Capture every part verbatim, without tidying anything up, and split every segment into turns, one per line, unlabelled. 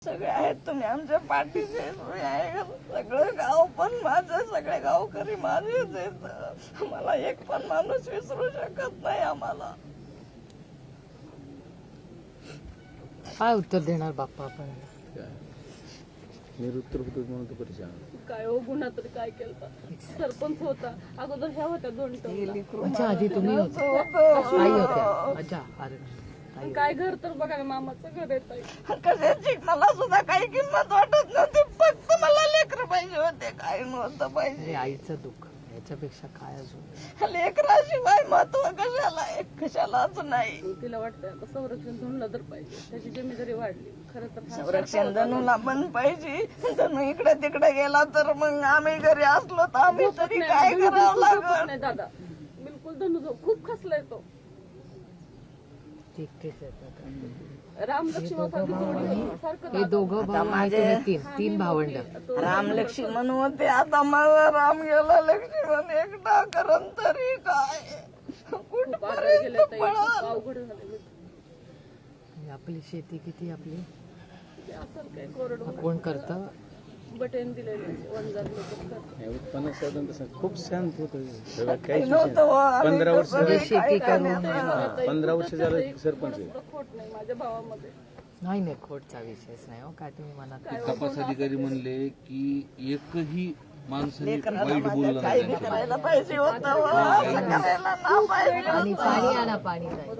सगळे आहेत तुम्ही आमच्या पाठीचे, तुम्ही आहे. सगळं गाव पण माझं, सगळे गावकरी माझेच आहेत. मला एक पण माणूस विसरू शकत नाही. आम्हाला
काय उत्तर देणार बाप्पा आपण?
निरुत्तर होतो म्हणून तो परेशान.
काय हो गुन्हा तरी काय केलं? सरपंच होता अगोदर, ह्या होत्या दोन टर्म.
अच्छा, आधी तुम्ही होते, आई होत्या. अच्छा, अरे
काय घर तर बघा ना, मामाचं घर येत आहे.
कशाची मला सुद्धा काही किंमत वाटत नव्हती. फक्त मला लेकर पाहिजे होते, काही नव्हतं पाहिजे.
अरे आईचं दुःख याच्यापेक्षा काय अजून?
लेकराशिवाय महत्व कशाला आहे, कशालाच नाही.
तिला वाटतं आता संरक्षण धनुला तर पाहिजे, त्याची जमीदारी वाढली. खरं तर
संरक्षण धनुला पण पाहिजे. धनु इकडे तिकडे गेला तर मग आम्ही घरी असलो तर आम्ही तरी काय करावं लागल?
नाही दादा, बिलकुल धनु जो खूप खसलाय तो.
ठीक ठीक आहे.
राम लक्ष्मण सारखं
हे दोघं भाऊ आणि तुम्ही तीन तीन भावंड.
राम लक्ष्मण होते, आता माझा राम गेला, लक्ष्मण एकटा करन तरी काय? कुठपर्यंत पळाल?
अवघड झालं.
आपली शेती किती आपली
असं काय कोरड
कोण करतं?
बटन दिलेले वनजात लोक
उत्पन्न साधन तसं खूप शांत होतं. काहीच
नव्हतं हो, आम्ही
म्हणजे
तर
पंधरा वर्ष
शेती करून
पंधरा वर्ष झालं सरपंच आहे.
खोट नाही माझ्या भावामध्ये.
नाही नाही, खोटचा विषयच नाही हो. काय तुम्ही मनात
तपास अधिकारी म्हणले की एकही माणसाने
लेकराला
वाईट
माझ्या
बोललं
काही
नाही.
करायला पाहिजे होतं, असं करायला ना पाहिजे.
आणि पाणी आणा, पाणी नाही.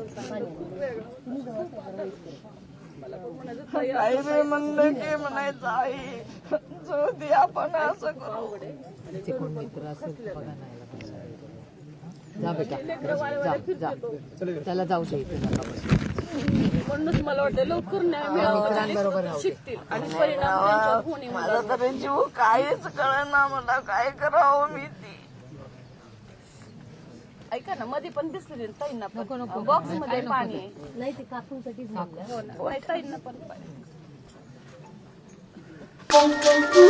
काही बी म्हणलं की म्हणायचं आई जो दे आपण असं करू.
तिचे कोण मित्र असेल तर बघा नाही आला पाहिजे. जा बेटा, जा जा, त्याला जाऊ दे इथे नका बसू.
म्हणूनच मला वाटतं लवकर न्याय
मित्रांबरोबर
मिळावा,
राहू दे.
शिकतील आणि परिणाम त्यांच्यावर होणे.
माझा तरी जीव काहीच कळेना, मला काय करावं मी ती.
ऐका ना, मध्ये पण दिसले ताईंना
नको, नको.
पण बॉक्स मध्ये पाणी आहे.
नाही ते काकूंसाठी
हो ना, ताईंना पण पाणी.